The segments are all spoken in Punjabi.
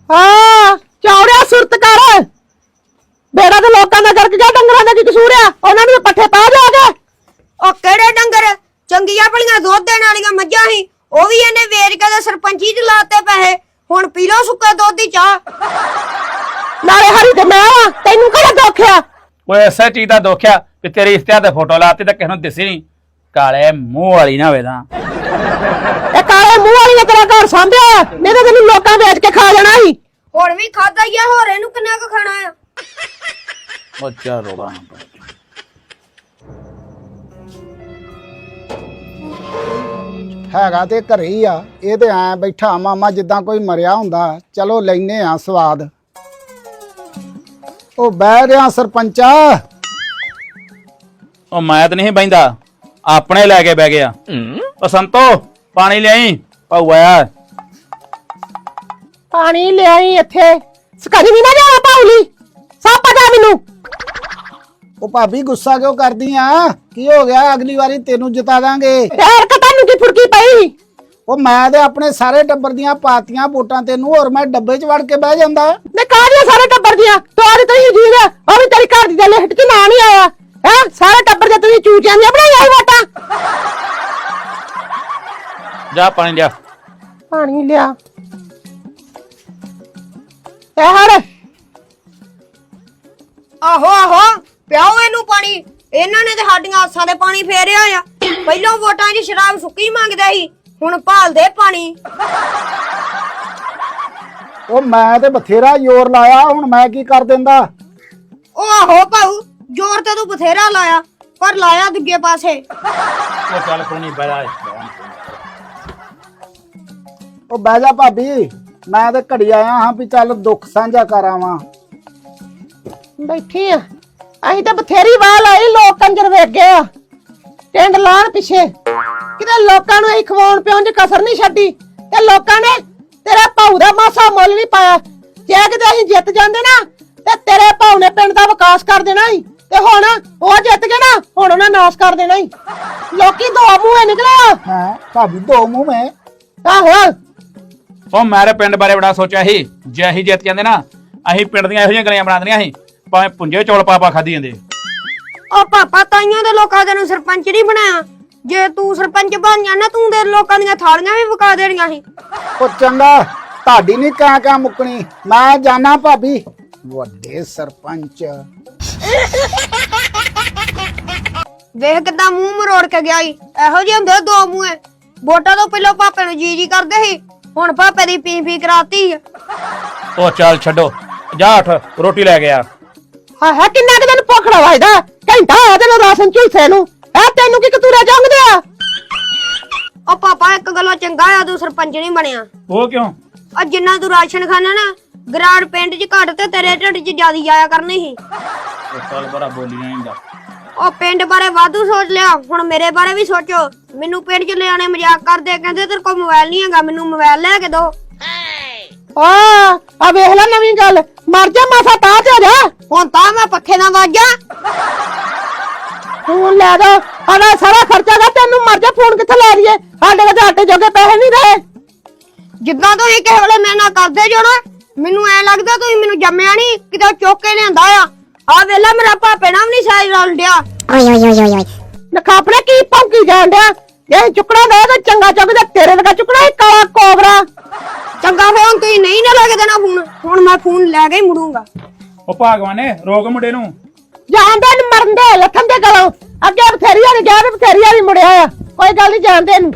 हाँ चौड़िया सुरत कर बेड़ा तो लोगों का करके क्या डंगरां दा की कसूर है उन्हां नूं पट्ठे पा जाओगे ओ केड़े डंगर चंगियां भलियां दुध देण वालियां मੱਝਾਂ ही ओ भी इहने ਵੇਚ के ते सरपंची च लाते पैसे हुण पी लो सुक्के दुध दी चाह नाले हरी ते मैं वा तैनू किहड़ा दुख आ ओए ऐसा चीज दा दुख आ कि तेरी इश्तिहार ते फोटो लाती ते किस नूं दिसी नहीं काले मुंह वाली ना होवे तां ए काले मुंह वाली ने तेरा घर सांभਿਆ नहीं तो तैनू लोकां ਵੇਚ के खा जाना ही हुण भी खादा ही आ होर इहनू किन्ना क खाना आ ओ चार रोड़ा ਹੈਗਾ ਤੇ ਘਰੇ ਹੀ ਆ ਇਹ ਤੇ ਐ ਬੈਠਾ ਮਾਮਾ ਜਿੱਦਾਂ ਕੋਈ ਮਰਿਆ ਹੁੰਦਾ ਚਲੋ ਲੈਨੇ ਆ ਸਵਾਦ ਉਹ ਬਹਿ ਰਿਆ ਸਰਪੰਚਾ ਉਹ ਮੈਂ ਤਾਂ ਨਹੀਂ ਬੈਂਦਾ ਆਪਣੇ ਲੈ ਕੇ ਬਹਿ ਗਿਆ ਉਹ ਸੰਤੋ ਪਾਣੀ ਲਿਆਈ ਪਾਉ ਆਇਆ पानी ले आई इत्थे ਸਕਰੀ ਵੀ ਨਾ ਜਾ ਪਾਉਲੀ ਸਭ ਪਤਾ ਮੈਨੂੰ ਉਹ ਭਾਬੀ ਗੁੱਸਾ ਕਿਉਂ ਕਰਦੀ ਆ ਕੀ ਹੋ ਗਿਆ ਅਗਲੀ ਵਾਰੀ ਤੈਨੂੰ ਜਿਤਾ ਦਾਂਗੇ ਯਾਰ ਕਤਾਨੂੰ ਕੀ ਫੁਰਕੀ ਪਈ ਉਹ ਮੈਂ ਤੇ ਆਪਣੇ ਸਾਰੇ ਟੱਬਰ ਦੀਆਂ ਪਾਤੀਆਂ ਵੋਟਾਂ ਤੈਨੂੰ ਹੋਰ ਮੈਂ ਡੱਬੇ 'ਚ ਵੜ ਕੇ ਬਹਿ ਜਾਂਦਾ ਨੇ ਕਾਹਦੀਆਂ ਸਾਰੇ ਟੱਬਰ ਦੀਆਂ ਤੋੜ ਤਈ ਜੀਵ ਉਹ ਵੀ ਤੇਰੀ ਘਰ ਦੀ ਦਾ ਲਿਖਟ ਚ ਨਾਂ ਨਹੀਂ ਆਇਆ ਹੈ ਸਾਰੇ ਟੱਬਰ ਦੇ ਤੁਸੀਂ ਚੂਚਿਆਂ ਦੀਆਂ ਬਣਾਈਆਂ ਹੀ ਵੋਟਾਂ ਜਾ ਪਾਣੀ ਲਿਆ ਪਾਣੀ ਲਿਆ ਇਹ ਹੜ ਆਹੋ ਆਹੋ ਪਿਆਓ ਇਹਨੂੰ ਪਾਣੀ ਇਹਨਾਂ ਨੇ ਤੇ ਸਾਡੀਆਂ ਆਸਾਂ ਦੇ ਪਾਣੀ ਫੇਰਿਆ ਆ ਪਹਿਲਾਂ ਵੋਟਾਂ 'ਚ ਸ਼ਰਾਬ ਸੁੱਕੀ ਮੰਗਦੇ ਸੀ ਹੁਣ ਭਾਲਦੇ ਪਾਣੀ ਉਹ ਮੈਂ ਤੇ ਬਥੇਰਾ ਜ਼ੋਰ ਲਾਇਆ ਹੁਣ ਮੈਂ ਕੀ ਕਰ ਦਿੰਦਾ ਉਹ ਆਹੋ ਭਾਊ ਜ਼ੋਰ ਤੇ ਤੂੰ ਬਥੇਰਾ ਲਾਇਆ ਪਰ ਲਾਇਆ ਦੂਜੇ ਪਾਸੇ ਉਹ ਚੱਲ ਕੋਈ ਨਹੀਂ ਬਹਿ ਉਹ ਬਹਿ ਜਾ ਭਾਬੀ ਮੈਂ ਤੇ ਘੜੀ ਆਇਆ ਹਾਂ ਵੀ ਚੱਲ ਦੁੱਖ ਸਾਂਝਾ ਕਰਾਵਾਂ ਬੈਠੀ ਆ ਅਸੀਂ ਤਾਂ ਬਥੇਰੀ ਵਾਹ ਲਾਈ ਲੋਕ ਕੰਜਰ ਵੇਖ ਗਏ ਆ ਟਿੰਡ ਲਾਣ ਪਿੱਛੇ ਕਿਤੇ ਲੋਕਾਂ ਨੂੰ ਅਸੀਂ ਖਵਾਉਣ ਪਿਆਉਣ 'ਚ ਕਸਰ ਨਹੀਂ ਛੱਡੀ ਤੇ ਲੋਕਾਂ ਨੇ ਤੇਰੇ ਭਾਊ ਦਾ ਮਾਸਾ ਮੁੱਲ ਨਹੀਂ ਪਾਇਆ ਜੇ ਕਿਤੇ ਅਸੀਂ ਜਿੱਤ ਜਾਂਦੇ ਨਾ ਤੇ ਤੇਰੇ ਭਾਊ ਨੇ ਪਿੰਡ ਦਾ ਵਿਕਾਸ ਕਰ ਦੇਣਾ ਸੀ ਤੇ ਹੁਣ ਉਹ ਜਿੱਤ ਗਏ ਨਾ ਹੁਣ ਉਹਨਾਂ ਨਾਸ ਕਰ ਦੇਣਾ ਸੀ ਲੋਕੀ ਦੋ ਮੂੰਹੇ ਨਿਕਲੇ ਹਾਂ ਭਾਬੀ ਦੋ ਮੂੰਹ ਮੈਂ ਆਹੋ ਉਹ ਮੇਰੇ ਪਿੰਡ ਬਾਰੇ ਬੜਾ ਸੋਚਿਆ ਸੀ ਜੇ ਅਸੀਂ ਜਿੱਤ ਜਾਂਦੇ ਨਾ ਅਸੀਂ ਪਿੰਡ ਦੀਆਂ ਇਹੋ ਜਿਹੀਆਂ ਗਲੀਆਂ ਬਣਾ ਦੇਣੀਆਂ ਸੀ ਭਾਵੇਂ ਪੁੰਜੇ ਚੌਲ ਪਾ ਖਾਦੀ ਜਾਂਦੇ ਉਹ ਪਾਪਾ ਤਾਈਆਂ ਦੇ ਲੋਕਾਂ ਦੇ ਨੂੰ ਸਰਪੰਚ ਨਹੀਂ ਬਣਾਇਆ ਜੇ ਤੂੰ ਸਰਪੰਚ ਬਣ ਜਾਣਾ ਤੂੰ ਦੇ ਲੋਕਾਂ ਦੀਆਂ ਥਾਲੀਆਂ ਵੀ ਵਿਕਾ ਦੇਣੀਆਂ ਸੀ ਉਹ ਚੰਗਾ ਤੁਹਾਡੀ ਨਹੀਂ ਕਾਂ ਮੁੱਕਣੀ ਮੈਂ ਜਾਣਾ ਭਾਬੀ ਵੱਡੇ ਸਰਪੰਚ ਵੇਖ ਕਿੱਦਾਂ ਮੂੰਹ ਮਰੋੜ ਕੇ ਗਿਆ ਈ ਇਹੋ ਜਿਹੇ ਹੁੰਦੇ ਦੋ ਮੂੰਹੇ ਵੋਟਾਂ ਤੋਂ ਪਹਿਲਾਂ ਪਾਪੇ ਨੂੰ ਜੀ ਕਰਦੇ ਸੀ ਹੁਣ ਪਾਪੇ ਦੀ ਪੀ ਕਰਾਤੀ ਆ ਉਹ ਚੱਲ ਛੱਡੋ ਜਾ ਉੱਠ ਰੋਟੀ ਲੈ ਗਿਆ ਹਾਂ ਕਿੰਨਾ ਕਿ ਦਿਨ ਭੁੱਖੜਾ ਵਜਦਾ ਘੰਟਾ ਆ ਤੈਨੂੰ ਰਾਸ਼ਨ ਝੁਲਸੇ ਨੂੰ ਐ ਤੈਨੂੰ ਕੀ ਕਤੂਰਾ ਜੰਗਦੇ ਆ ਉਹ ਪਾਪਾ ਇੱਕ ਗੱਲੋਂ ਚੰਗਾ ਆ ਤੂੰ ਸਰਪੰਚ ਨਹੀਂ ਬਣਿਆ ਉਹ ਕਿਉਂ ਆ ਜਿੰਨਾ ਤੂੰ ਰਾਸ਼ਨ ਖਾਣਾ ਨਾ ਗਰਾੜ ਪਿੰਡ 'ਚ ਘੱਟ ਤੇ ਤੇਰੇ ਢਿੱਡ 'ਚ ਜ਼ਿਆਦੀ ਜਾਇਆ ਕਰਨੀ ਸੀ ਉਹ ਚੱਲ ਬੜਾ ਬੋਲੀਆਂ ਇੰਦਾ ਉਹ ਪਿੰਡ ਬਾਰੇ ਵਾਧੂ ਸੋਚ ਲਿਆ ਹੁਣ ਮੇਰੇ ਬਾਰੇ ਵੀ ਸੋਚੋ ਮੈਨੂੰ ਪਿੰਡ 'ਚ ਲਿਆਣੇ ਮਜ਼ਾਕ ਕਰਦੇ ਕਹਿੰਦੇ ਤੇਰੇ ਕੋਲ ਮੋਬਾਈਲ ਨਹੀਂ ਹੈਗਾ ਮੈਨੂੰ ਮੋਬਾਈਲ ਲੈ ਕੇ ਦੋ ਆ ਵੇਖ ਲੈ ਨਵੀਂ ਗੱਲ ਮਰ ਜਾ ਮਾਸਾ ਤਾਂ ਤੇ ਜਾ ਹੁਣ ਤਾਂ ਮੈਂ ਪੱਖੇ ਨਾਲ ਵਾਜਾ ਫੋਨ ਲੈ ਦੋ ਆਣਾ ਸਾਰਾ ਖਰਚਾ ਦਾ ਤੈਨੂੰ ਮਰ ਜਾ ਫੋਨ ਕਿੱਥੇ ਲੈ ਲਈਏ ਸਾਡੇ ਕੋਲ ਆਟੇ ਜੋਗੇ ਪੈਸੇ ਨਹੀਂ ਰਹੇ ਜਿੱਦਾਂ ਤੁਸੀਂ ਕਿਸੇ ਵੇਲੇ ਮੇਰੇ ਨਾਲ ਕਰਦੇ ਜੋ ਨਾ ਮੈਨੂੰ ਐ ਲੱਗਦਾ ਤੁਸੀਂ ਮੈਨੂੰ ਜੰਮਿਆ ਨਹੀਂ ਕਿਤੇ ਚੁੱਕ ਕੇ ਲਿਆਂਦਾ ਆ ਵੇਲਾ ਮੇਰਾ ਭਾਪੇ ਨਾਲ ਵੀ ਨਹੀਂ ਸਾਈ ਰਲ ਡਿਆ ਓਏ ਨਖਾਪੜੇ ਕੀ ਭੌਂਕੀ ਜਾਣ ਡਿਆ ਇਹ ਚੁੱਕਣਾ ਦੇ ਤਾਂ ਚੰਗਾ ਚੁੱਕਦਾ ਤੇਰੇ ਲਗਾ ਚੁੱਕਣਾ ਇਹ ਕਾਲਾ ਕੋਬਰਾ ਚੰਗਾ ਫੋਨ ਤੁਸੀਂ ਨਹੀਂ ਨਾ ਲੈ ਕੇ ਦੇਣਾ ਫੋਨ ਹੁਣ ਮੈਂ ਫੋਨ ਲੈ ਕੇ ਹੀ ਮੁੜੂੰਗਾ ਉਹ ਭਾਗਵਾਨੇ ਰੋਕ ਮੁੰਡੇ ਨੂੰ ਜਾਣਦੇ ਨੂੰ ਮਰਨ ਦੇ ਲੱਥਣ ਦੇ ਗਲੋਂ ਅੱਗੇ ਬਥੇਰੀ ਵਾਲੀ ਗਿਆ ਤੇ ਬਥੇਰੀ ਵਾਲੀ ਮੁੜਿਆ ਆ ਕੋਈ ਗੱਲ ਨਹੀਂ ਜਾਣਦੇ ਇਹਨੂੰ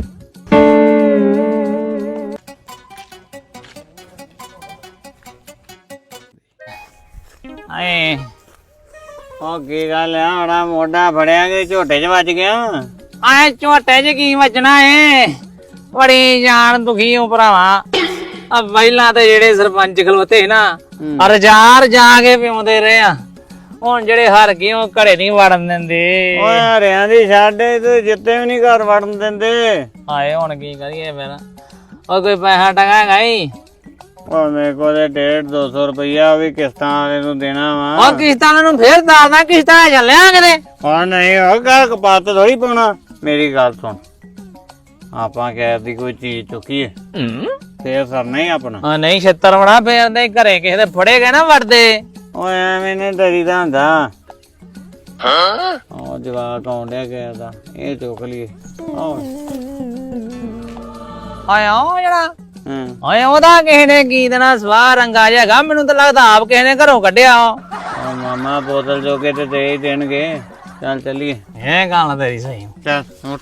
ਆਏ ਉਹ ਕੀ ਗੱਲ ਆ ਹਣਾ ਮੋਢਾ ਫੜਿਆ ਕਿ ਝੋਟੇ 'ਚ ਵੱਜ ਗਿਆ ਆਏ ਝੋਟੇ 'ਚ ਕੀ ਵੱਜਣਾ ਏ ਬੜੀ ਜਾਨ ਦੁਖੀ ਹੋ ਭਰਾਵਾ ਆ ਪਹਿਲਾਂ ਤੇ ਜਿਹੜੇ ਸਰਪੰਚ ਖਲੋਤੇ ਨਾ ਰਜਾਰ ਜਾ ਕੇ ਪਿਉਂਦੇ ਰਹੇ ਆ ਹੁਣ ਜਿਹੜੇ ਹਾਰ ਗਏ ਉਹ ਘਰੇ ਨਹੀਂ ਵੜਨ ਦਿੰਦੇ ਓਏ ਹਰਿਆਂ ਦੀ ਛਾੜੇ ਤੇ ਜਿੱਤੇ ਵੀ ਨਹੀਂ ਘਰ ਵੜਨ ਦਿੰਦੇ ਆਏ ਹੁਣ ਕੀ ਕਰੀਏ ਫਿਰ ਉਹ ਕੋਈ ਪੈਸਾ ਟੰਗਾ ਹੈਗਾ ਈ ਉਹ ਮੇਰੇ ਕੋਲ 150-200 ਰੁਪਇਆ ਵੀ ਕਿਸ਼ਤਾਂ ਵਾਲੇ ਨੂੰ ਦੇਣਾ ਵਾ ਉਹ ਕਿਸ਼ਤਾਂ ਨੂੰ ਫੇਰ ਦੱਸਦਾ ਕਿਸ਼ਤਾਂ ਚੱਲਿਆ ਕਿਤੇ ਹਾਂ ਨਹੀਂ ਉਹ ਗੱਲ ਕਪਾਤ ਥੋੜੀ ਪਾਉਣਾ ਮੇਰੀ ਗੱਲ ਸੁਣ ਆਪਾਂ ਕਹਿਰ ਦੀ ਕੋਈ ਚੀਜ਼ ਚੁੱਕੀ ਹੈ ਫੇਰ ਸਰਨਾ ਹੀ ਆਪਣਾ। ਹਾਂ ਨਹੀਂ ਛੇਤਰ ਬਣਾ ਫੇਰ ਨਹੀਂ ਘਰੇ ਕਿਸੇ ਦੇ ਫੜੇ ਗਏ ਨਾ ਵੜਦੇ। ਓਏ ਐਵੇਂ ਨੇ ਡਰੀਦਾ ਹੁੰਦਾ। ਉਹ ਜਵਾਕ ਆਉਂਦਿਆ ਗਿਆ ਦਾ ਇਹ ਚੁੱਕ ਲਈਏ। ਆਏ ਉਹ ਜਿਹੜਾ ਹਾਂ ਓਏ ਉਹਦਾ ਕਿਸੇ ਨੇ ਕੀ ਦੇਣਾ ਸਵਾਹ ਰੰਗਾ ਜਿਹਾ ਮੈਨੂੰ ਤਾਂ ਲੱਗਦਾ ਆਪ ਕਿਸੇ ਨੇ ਘਰੋਂ ਕੱਢਿਆ। ਉਹ ਮਾਮਾ ਬੋਤਲ ਜੋਗੇ ਤੇ ਦੇ ਹੀ ਦੇਣਗੇ। ਚੱਲ ਚੱਲੀਏ। ਇਹ ਗੱਲ ਤੇਰੀ ਸਹੀ। ਚੱਲ ਉੱਠ।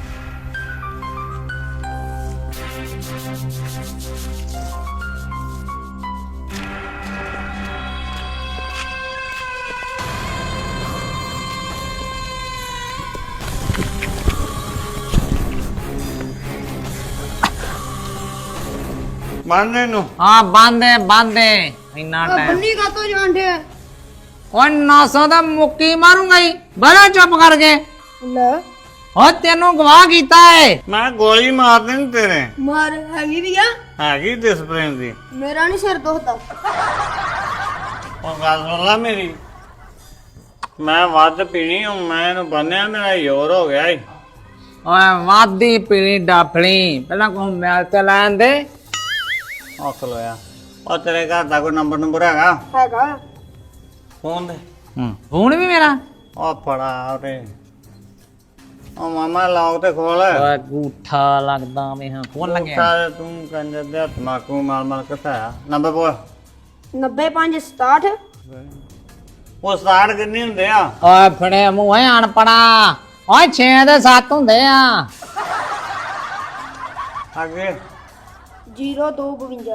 ਬੰਦੇ ਨੂੰ ਹਾਂ ਬੰਦੇ ਇੰਨਾ ਟਾਈਮ ਬੰਨੀ ਕਾਤੋਂ ਜਾਂਦੇ ਓਏ 900 ਦਾ ਮੁੱਕੀ ਮਾਰੂੰਗਾ ਹੀ ਬੜਾ ਚੁੱਪ ਕਰਕੇ। ਲੈ ਓ ਤੈਨੂੰ ਗਵਾਹ ਕੀਤਾ ਏ। ਮੈਂ ਗੋਲੀ ਮਾਰ ਦੇਣੀ ਤੇਰੇ। ਮਾਰ ਹੈਗੀ ਵੀ ਆ ਹੈਗੀ ਡਿਸਪਲਿਨ ਦੀ। ਮੇਰਾ ਨਹੀਂ ਸਿਰ ਦੁਖਦਾ। ਉਹ ਗੱਲ ਸੁਣ ਲਾ ਮੇਰੀ। ਮੈਂ ਵੱਧ ਪੀਣੀ ਹੂੰ। ਮੈਂ ਇਹਨੂੰ ਬੰਨਿਆ ਮੇਰਾ ਜ਼ੋਰ ਹੋ ਗਿਆ ਈ। ਓਏ ਵਾਦੀ ਪੀਣੀ ਡਾਫਣੀ ਪਹਿਲਾਂ ਕੋ ਮੈਲ ਤੇ ਲੈਣ ਦੇ। ਔਖ ਲੋਇਆ। ਉਹ ਤੇਰੇ ਘਰ ਦਾ ਕੋਈ ਨੰਬਰ ਹੈਗਾ? ਹੈਗਾ ਫੋਨ ਦੇ। ਫੋਨ ਵੀ ਮੇਰਾ। ਉਹ ਫੜਾ ਉਰੇ। ਉਹ ਮਾਮਾ ਲੌਕ ਤੇ ਖੋਲ। ਓਏ ਗੂਠਾ ਲੱਗਦਾ ਮੈਂ ਹਾਂ ਫੋਨ ਲੱਗਿਆ। ਸਾਰੇ ਤੂੰ ਕੰਜਰ ਦੇ ਤਮਾਕੂ ਮਾਰ ਕਿੱਥਾ ਨੰਬਰ ਬੋਲ। 9567 ਉਹ ਸਟਾਰਟ ਕਿੰਨੇ ਹੁੰਦੇ ਆ? ਓਏ ਫੜੇ ਮੂੰਹ ਐ ਅਣਪੜਾ। ਓਏ 6 ਦੇ 7 ਹੁੰਦੇ ਆ। ਅੱਗੇ 0252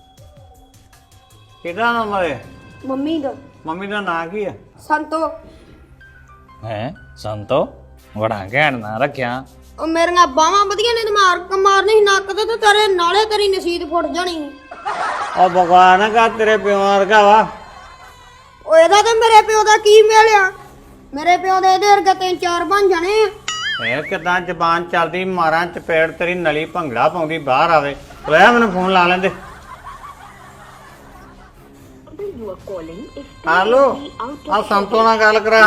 ਕਿਹਦਾ ਨੰਬਰ ਹੈ? ਮੰਮੀ ਦਾ। ਮੰਮੀ ਦਾ ਨਾਂ ਕੀ ਹੈ? ਸੰਤੋ। ਹੈ ਸੰਤੋ ਬੜਾ ਘੈਂਟ ਨਾ ਰੱਖਿਆ। ਉਹ ਮੇਰੀਆਂ ਬਾਹਾਂ ਵਧੀਆ ਨੇ ਤੇ ਮਾਰਨੀ ਸੀ ਨੱਕ ਤੇ ਤੇਰੇ ਨਾਲੇ ਤੇਰੀ ਨਸੀਦ ਫੁੱਟ ਜਾਣੀ। ਉਹ ਭਗਵਾਨ ਨਾ ਕਰ ਤੇਰੇ ਪਿਓ ਵਰਗਾ ਵਾ। ਉਹ ਇਹਦਾ ਤੇ ਮੇਰੇ ਪਿਓ ਦਾ ਕੀ ਮਿਲਿਆ? ਮੇਰੇ ਪਿਓ ਦੇ ਇਹਦੇ ਵਰਗੇ 3-4 ਬਣ ਜਾਣੇ ਆ। ਇਹ ਕਿਦਾਂ ਜ਼ਬਾਨ ਚੱਲਦੀ ਮਾਰਾਂ ਚਪੇੜ ਤੇਰੀ ਨਲੀ ਭੰਗੜਾ ਪਾਉਂਦੀ ਬਾਹਰ ਆਵੇ। ਲੈ ਮੈਨੂੰ ਫੋਨ ਲਾ ਲੈਂਦੇ। ਹੈਲੋ ਆ ਸੰਤੋ ਨਾਲ ਗੱਲ ਕਰਾ।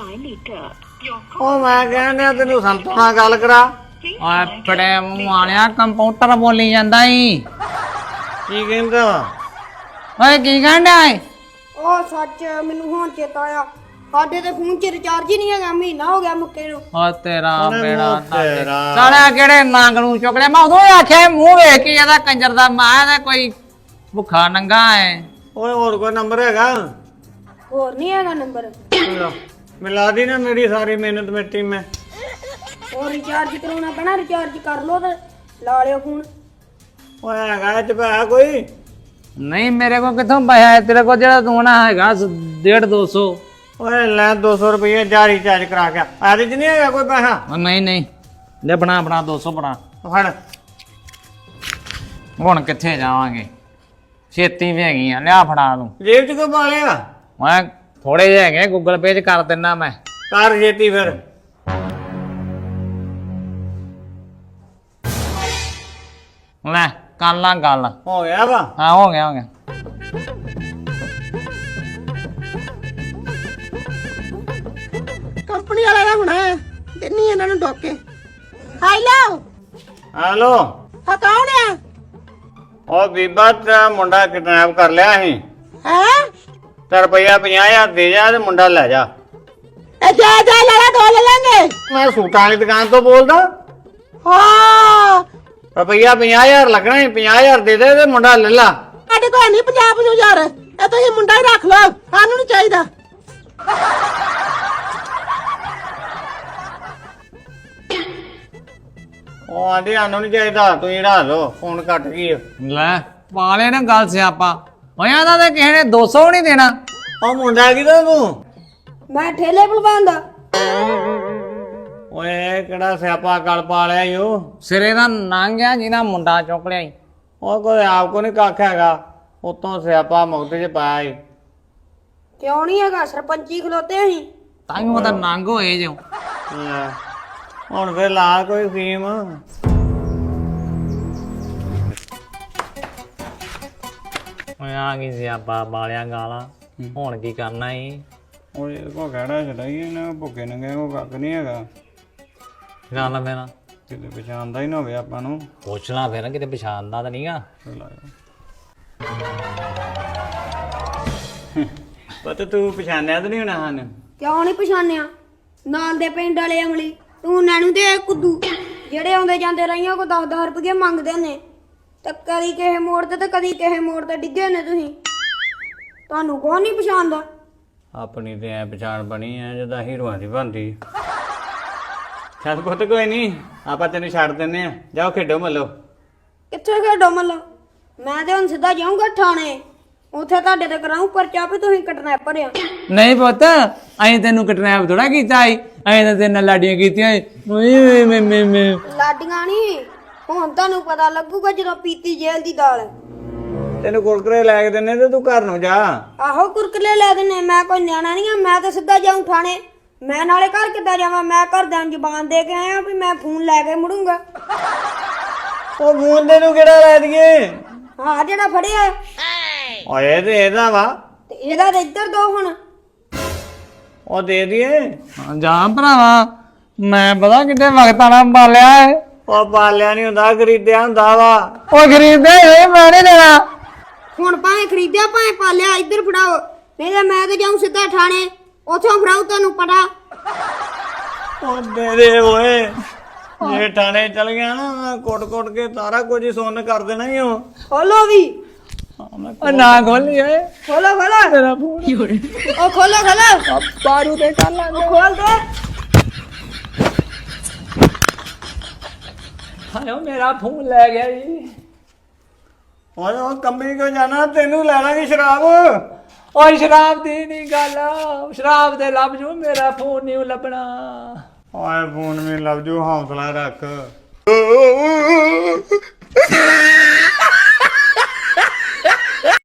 ਉਹ ਮੈਂ ਕਹਿੰਦਾ ਤੈਨੂੰ ਸੰਤੋ ਨਾਲ ਗੱਲ ਕਰਾ। ਓਏ ਫੜੇ ਮੂੰਹ ਆਣਿਆ ਕੰਪਿਊਟਰ ਬੋਲੀ ਜਾਂਦਾ ਈ। ਕੀ ਕਹਿੰਦਾ? ਓਏ ਕੀ ਕਹਿੰਦਾ ਏ? ਉਹ ਸੱਚ ਮੈਨੂੰ ਹੁਣ ਚੇਤਾ ਆਇਆ। ਸਾਡੇ ਤੇ ਫੋਨ 'ਚ ਰਿਚਾਰਜ ਹੀ ਨਹੀਂ ਹੈਗਾ। ਮਹੀਨਾ ਹੋ ਗਿਆ ਮੁੱਕੇ ਨੂੰ। ਓ ਤੇਰਾ ਬੇੜਾ ਤੇਰਾ। ਸਾਲਿਆ ਕਿਹੜੇ ਨੰਗ ਨੂੰ ਚੁੱਕ ਲਿਆ। ਮੈਂ ਉਦੋਂ ਹੀ ਆਖਿਆ ਮੂੰਹ ਵੇਖ ਕੇ ਇਹਦਾ ਕੰਜਰ ਦਾ ਮਾਂ ਦਾ ਕੋਈ ਭੁੱਖਾ ਨੰਗਾ ਏ। ਓਏ ਹੋਰ ਕੋਈ ਨੰਬਰ ਹੈਗਾ? ਹੋਰ ਨਹੀਂ ਹੈਗਾ ਨੰਬਰ। ਮਿਲਾ ਦੀ ਨਾ ਮੇਰੀ ਸਾਰੀ ਮਿਹਨਤ ਮਿੱਟੀ ਮੈਂ। ਉਹ ਰਿਚਾਰਜ ਕਰਾਉਣਾ ਪੈਣਾ। ਰਿਚਾਰਜ ਕਰ ਲੋ ਤੇ ਲਾ ਲਿਓ ਫੋਨ। ਓਏ ਹੈਗਾ ਇਹ ਚ ਪੈਸਾ ਕੋਈ? ਨਹੀਂ ਮੇਰੇ ਕੋਲ ਕਿੱਥੋਂ ਪੈਸਾ ਹੈ ਤੇਰੇ ਕੋਲ ਜਿਹੜਾ ਤੂੰ ਨਾ ਹੈਗਾ 150-200। ਓਏ ਲੈ 200 ਰੁਪਏ ਜਾਰੀ ਚਾਰਜ ਕਰਾ ਕੇ ਆਦੇ ਚ ਨਹੀਂ ਹੈਗਾ ਕੋਈ ਪੈਸਾ? ਨਹੀਂ ਲੈ ਬਣਾ 200 ਬਣਾ। ਫੜ। ਹੁਣ ਕਿੱਥੇ ਜਾਵਾਂਗੇ ਛੇਤੀ ਵੀ ਹੈਗੀ ਆ ਲਿਆ ਫੜਾ ਤੂੰ। ਜੇਬ ਚ ਕੋ ਪਾ ਲਿਆ? ਮੈਂ ਥੋੜੇ ਜਿਹੇ ਹੈਗੇ ਗੂਗਲ ਪੇ 'ਚ ਕਰ ਦਿੰਦਾ ਮੈਂ। ਕਰ ਜੇਤੀ ਫਿਰ। ਲੈ ਕਰ ਲਾ ਗੱਲ। ਹੋ ਗਿਆ ਵਾ? ਹਾਂ ਹੋ ਗਿਆ ਕੰਪਨੀ ਵਾਲਾ ਦਾ ਹੋਣਾ ਹੈ। ਦਿੰਨੀ ਇਹਨਾਂ ਨੂੰ ਡੋਕੇ। ਹੈਲੋ ਹੈਲੋ ਹਾਂ ਕੌਣ ਆ? ਉਹ ਬੀਬਾ ਤੇਰਾ ਮੁੰਡਾ ਕਿਡਨੈਪ ਕਰ ਲਿਆ ਸੀ ਹੈ ਤੇ ਰੁਪਈਆ 50,000 ਦੇ ਜਾ ਤੇ ਮੁੰਡਾ ਲੈ ਜਾ। ਇਹ ਜਾ ਲੈ ਦੋ ਲੈ ਲੈਂਗੇ। ਮੈਂ ਸੂਟਾਂ ਵਾਲੀ ਦੁਕਾਨ ਤੋਂ ਬੋਲਦਾ। ਹਾਂ ਰੁਪਈਆ 50,000 ਲੱਗਣਾ ਸੀ। 50,000 ਦੇ ਦੇ ਤੇ ਮੁੰਡਾ ਲੈ ਲਾ। ਸਾਡੇ ਕੋਲ ਨਹੀਂ 50,000। ਇਹ ਤੁਸੀਂ ਮੁੰਡਾ ਹੀ ਰੱਖ ਲਓ। ਸਾਨੂੰ ਨਹੀਂ ਚਾਹੀਦਾ। ਉਹ ਆਂਦੀ ਸਾਨੂੰ ਨਹੀਂ ਚਾਹੀਦਾ ਤੁਸੀਂ ਢਾ ਲਓ। ਫੋਨ ਕੱਟ ਗਈ। ਲੈ ਪਾ ਲੈ ਨਾ ਗੱਲ ਸਿਆਪਾ। ਹੋਇਆ ਤਾਂ ਤੇ ਕਿਸੇ ਨੇ 200 ਨਹੀਂ ਦੇਣਾ। ਉਹ ਮੁੰਡਾ ਕਿਹਦਾ ਤੂੰ? ਮੈਂ ਠੇਲੇ ਭਲਵਾਨ ਦਾ। ਓਏ ਕਿਹੜਾ ਸਿਆਪਾ ਗਲ ਪਾ ਲਿਆ ਈ ਉਹ? ਸਿਰੇ ਦਾ ਨੰਗ ਆ ਜਿਹਦਾ ਮੁੰਡਾ ਚੁੱਕ ਲਿਆ ਈ। ਉਹ ਕੋਈ ਆਪ ਕੋ ਨਹੀਂ ਕੱਖ ਹੈਗਾ। ਉਤੋਂ ਸਿਆਪਾ ਮੁਕਤੇ ਚ ਪਾਇਆ ਈ। ਕਿਉਂ ਨਹੀਂ ਹੈਗਾ? ਸਰਪੰਚੀ ਖਲੋਤੇ ਅਸੀਂ। ਤਾਂ ਹੀ ਉਹਦਾ ਨੰਗ ਹੋਏ ਜੋ। ਲੈ, ਹੁਣ ਫੇਰ ਲਾ ਕੋਈ ਸਕੀਮ। ਓਏ ਆ ਗਈ ਸਿਆਪਾ ਬਾਲਿਆ ਗਾਲਾਂ। ਹੁਣ ਕੀ ਕਰਨਾ ਈ? ਓਏ ਕੋ ਕਹਿਣਾ ਚਲਾਈਏ ਨਾ ਭੁੱਖੇ ਨੰਗੇ ਕੋ ਕੱਖ ਨਹੀਂ ਹੈਗਾ। ਗੱਲ ਮੇਰਾ ਕਿਤੇ ਪਛਾਣਦਾ ਹੀ ਨਾ ਹੋਵੇ ਆਪਾਂ ਨੂੰ। ਪੁੱਛ ਲਾ ਫਿਰ ਕਿਤੇ ਪਛਾਣਦਾ ਤਾਂ ਨਹੀਂਗਾ। ਚੱਲ ਆਇਆ ਪਤਾ ਤੂੰ ਪਛਾਣਿਆ ਤਾਂ ਨਹੀਂ ਹੋਣਾ ਹਨ। ਕਿਉਂ ਨਹੀਂ ਪਛਾਣਿਆ? ਨਾਲ ਦੇ ਪਿੰਡ ਵਾਲੇ ਅਮਲੀ ਤੂੰ ਨੈਣੂ ਤੇ ਕੁੱਦੂ ਜਿਹੜੇ ਆਉਂਦੇ ਜਾਂਦੇ ਰਹੀਆਂ ਕੋ 10-10 ਰੁਪਏ ਮੰਗਦੇ ਨੇ ਤੇ ਕਦੀ ਕਿਸੇ ਮੋੜ ਤੇ ਕਦੀ ਕਿਸੇ ਮੋੜ ਤੇ ਡਿੱਗੇ ਨੇ ਤੁਸੀਂ। ਤੁਹਾਨੂੰ ਕੌਣ ਨਹੀਂ ਪਛਾਣਦਾ? ਆਪਣੀ ਤੇ ਐ ਪਛਾਣ ਬਣੀ ਐ ਜਿੱਦਾਂ ਹੀਰੋਆਂ ਦੀ ਬਣਦੀ। ਚੱਲ ਪੁੱਤ ਕੋਈ ਨਹੀਂ, ਆਪਾਂ ਤੈਨੂੰ ਛੱਡ ਦਿੰਨੇ ਆ। ਜਾਓ ਖੇਡੋ ਮੱਲੋ। ਕਿੱਥੇ ਖੇਡੋ ਮੱਲਾ? ਮੈਂ ਤੇ ਹੁਣ ਸਿੱਧਾ ਜਾਊਂਗਾ ਥਾਣੇ, ਉੱਥੇ ਤੁਹਾਡੇ ਤੇ ਕਰਾਉਂ ਪਰਚਾ ਵੀ ਤੁਸੀਂ ਕਿਡਨੈਪਰ ਆ। ਨਹੀਂ ਪੁੱਤ ਅਸੀਂ ਤੈਨੂੰ ਕਿਡਨੈਪ ਥੋੜਾ ਕੀਤਾ ਈ, ਅਸੀਂ ਤਾਂ ਤੇਰੇ ਨਾਲ ਲਾਡੀਆਂ ਕੀਤੀਆਂ ਈ। ਲਾਡੀਆਂ ਨਹੀਂ, ਹੁਣ ਤੁਹਾਨੂੰ ਪਤਾ ਲੱਗੂਗਾ ਜਦੋਂ ਪੀਤੀ ਜੇਲ੍ਹ ਦੀ ਦਾਲ। ਤੈਨੂੰ ਕੁਰਕਰੇ ਲੈ ਕੇ ਦਿੰਨੇ ਤੇ ਤੂੰ ਘਰ ਨੂੰ ਜਾ। ਆਹੋ ਕੁਰਕਲੇ ਲੈ ਦਿੰਨੇ, ਮੈਂ ਕੋਈ ਨਿਆਣਾ ਨਹੀਂ ਆ। ਮੈਂ ਤਾਂ ਸਿੱਧਾ ਜਾਊਂ ਥਾਣੇ। ਮੈਂ ਨਾਲੇ ਘਰ ਕਿੱਦਾਂ ਜਾਵਾਂ? ਮੈਂ ਘਰਦਿਆਂ ਨੂੰ ਜ਼ਬਾਨ ਦੇ ਕੇ ਆਇਆ ਵੀ ਮੈਂ ਫੋਨ ਲੈ ਕੇ ਮੁੜੂੰਗਾ। ਉਹ ਮੁੰਡੇ ਨੂੰ ਕਿਹੜਾ ਲੈ ਦਈਏ? ਹਾਂ ਜਿਹੜਾ ਫੜਿਆ ਓਏ ਤੇ ਇਹਦਾ ਵਾ, ਤੇ ਇਹਦਾ ਤੇ ਇੱਧਰ ਦੋ ਹੁਣ। ਉਹ ਦੇ ਦਈਏ। ਜਾ ਭਰਾਵਾ, ਮੈਂ ਪਤਾ ਕਿੱਡੇ ਵਕਤ ਆਣਾ ਪਾਲਿਆ ਏ। ਉਹ ਪਾਲਿਆ ਨਹੀਂ ਹੁੰਦਾ, ਖਰੀਦਿਆ ਹੁੰਦਾ ਵਾ। ਉਹ ਖਰੀਦਦੇ ਹੋਏ ਮੈਂ ਨਹੀਂ ਦੇਣਾ। ਹੁਣ ਭਾਵੇਂ ਖਰੀਦਿਆ ਭਾਵੇਂ ਪਾਲਿਆ, ਇੱਧਰ ਫੜਾਓ, ਨਹੀਂ ਤਾਂ ਮੈਂ ਤੇ ਜਾਊਂ ਸਿੱਧਾ ਥਾਣੇ, ਉੱਥੋਂ ਫੜਾਉ ਤੁਹਾਨੂੰ ਪਤਾ। ਉਹ ਦੇ ਦੇ ਓਏ, ਜੇ ਥਾਣੇ ਚਲ ਗਿਆ ਨਾ ਕੁੱਟ-ਕੁੱਟ ਕੇ ਸਾਰਾ ਕੁਝ ਹੀ ਸੁੰਨ ਕਰ ਦੇਣਾ ਹੀ ਉਹ। ਖੋਲੋ ਵੀ, ਉਹ ਨਾ ਖੋਲੀ ਓਏ, ਖੋਲੋ ਖੋਲੋ, ਤੇਰਾ ਫੋਨ ਉਹ ਖੋਲੋ ਖੋਲੋ, ਬਾਰੂ ਤੇ ਕਰ ਲਾਂਗੇ। ਖੋਲ ਦੇ। ਹਾਏ ਮੇਰਾ ਫੋਨ ਲੈ ਗਿਆ ਜੀ। ਓਏ ਉਹ ਕੰਬੀ ਕਿਉਂ ਜਾਣਾ, ਤੈਨੂੰ ਲੈ ਲਾਂਗੇ ਸ਼ਰਾਬ। ਓਏ ਸ਼ਰਾਬ ਦੀ ਨਹੀਂ ਗੱਲ, ਸ਼ਰਾਬ ਦੇ ਲੱਭ ਜੂ, ਮੇਰਾ ਫੋਨ ਨਹੀਂ ਲੱਭਣਾ। ਓਏ ਫੋਨ ਵੀ ਲੱਭ ਜੂ, ਹੌਸਲਾ ਰੱਖ।